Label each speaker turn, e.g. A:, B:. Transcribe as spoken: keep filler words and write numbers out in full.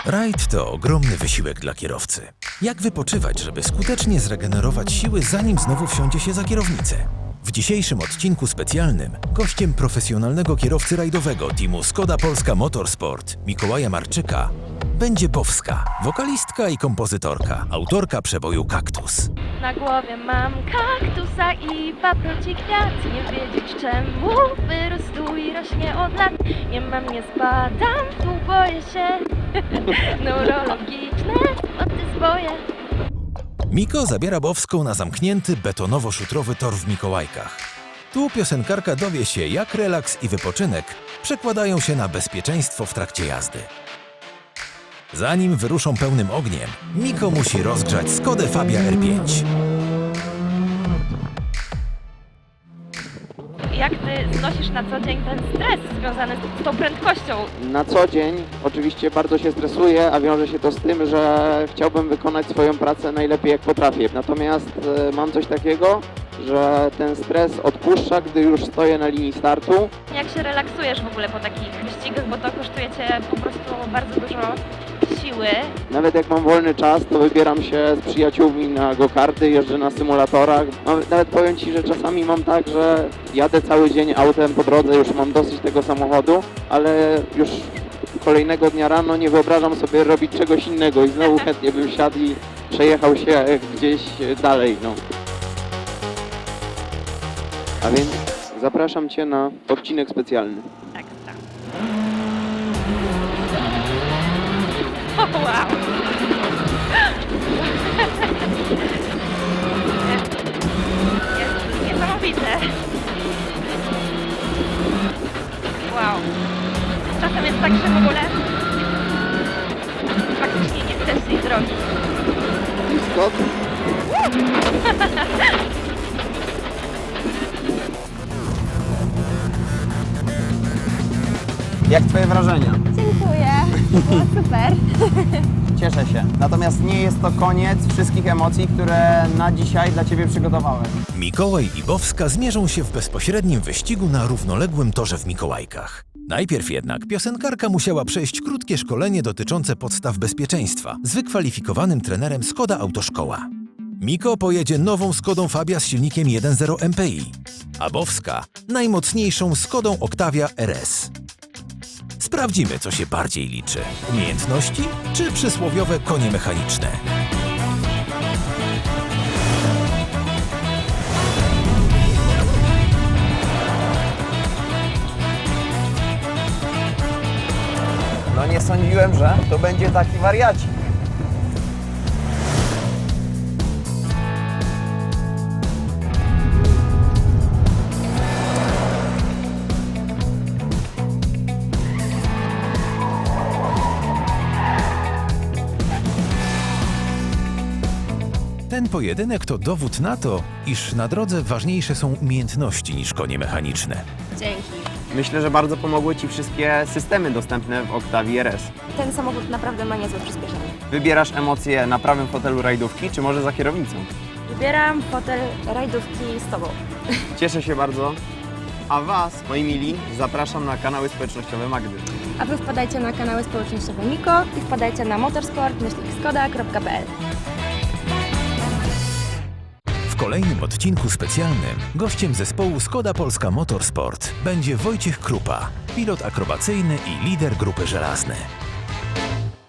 A: Rajd to ogromny wysiłek dla kierowcy. Jak wypoczywać, żeby skutecznie zregenerować siły, zanim znowu wsiądzie się za kierownicę? W dzisiejszym odcinku specjalnym gościem profesjonalnego kierowcy rajdowego teamu Skoda Polska Motorsport Mikołaja Marczyka będzie Bowska, wokalistka i kompozytorka, autorka przeboju Kaktus.
B: Na głowie mam kaktusa i paproci kwiat. Nie wiedzieć czemu wyrósł i rośnie od lat. Nie mam, nie spadam, tu boję się. Neurologiczne moty swoje.
A: Miko zabiera Bowską na zamknięty betonowo-szutrowy tor w Mikołajkach. Tu piosenkarka dowie się, jak relaks i wypoczynek przekładają się na bezpieczeństwo w trakcie jazdy. Zanim wyruszą pełnym ogniem, Miko musi rozgrzać Skodę Fabia R pięć.
B: Jak ty znosisz na co dzień ten stres związany z tą prędkością?
C: Na co dzień oczywiście bardzo się stresuję, a wiąże się to z tym, że chciałbym wykonać swoją pracę najlepiej jak potrafię. Natomiast e, mam coś takiego, że ten stres odpuszcza, gdy już stoję na linii startu.
B: Jak się relaksujesz w ogóle po takich wyścigach, bo to kosztuje cię po prostu bardzo dużo siły.
C: Nawet jak mam wolny czas, to wybieram się z przyjaciółmi na go-karty, jeżdżę na symulatorach. Mam, nawet powiem Ci, że czasami mam tak, że jadę cały dzień autem po drodze, już mam dosyć tego samochodu, ale już kolejnego dnia rano nie wyobrażam sobie robić czegoś innego i znowu chętnie bym siadł i przejechał się gdzieś dalej. No. A więc zapraszam Cię na odcinek specjalny.
B: Tak, tak. O, wow! Jest niesamowite. Wow. Czasem jest tak, że w ogóle faktycznie nie chcesz jej zrobić.
C: Scott?
D: Jak Twoje wrażenia?
E: Dziękuję, było super.
D: Cieszę się. Natomiast nie jest to koniec wszystkich emocji, które na dzisiaj dla Ciebie przygotowałem.
A: Mikołaj i Bowska zmierzą się w bezpośrednim wyścigu na równoległym torze w Mikołajkach. Najpierw jednak piosenkarka musiała przejść krótkie szkolenie dotyczące podstaw bezpieczeństwa z wykwalifikowanym trenerem Skoda Autoszkoła. Miko pojedzie nową Skodą Fabia z silnikiem jeden zero M P I, a Bowska najmocniejszą Skodą Octavia R S. Sprawdzimy, co się bardziej liczy. Umiejętności czy przysłowiowe konie mechaniczne?
D: No nie sądziłem, że to będzie taki wariacik.
A: Ten pojedynek to dowód na to, iż na drodze ważniejsze są umiejętności niż konie mechaniczne.
E: Dzięki.
D: Myślę, że bardzo pomogły Ci wszystkie systemy dostępne w Octavii R S.
E: Ten samochód naprawdę ma niezłe przyspieszenie.
D: Wybierasz emocje na prawym fotelu rajdówki, czy może za kierownicą?
E: Wybieram fotel rajdówki z Tobą.
D: Cieszę się bardzo. A Was, moi mili, zapraszam na kanały społecznościowe Magdy.
E: A Wy wpadajcie na kanały społecznościowe Miko i wpadajcie na motorsport myślnik skoda kropka p l.
A: W kolejnym odcinku specjalnym gościem zespołu Skoda Polska Motorsport będzie Wojciech Krupa, pilot akrobacyjny i lider grupy żelazny.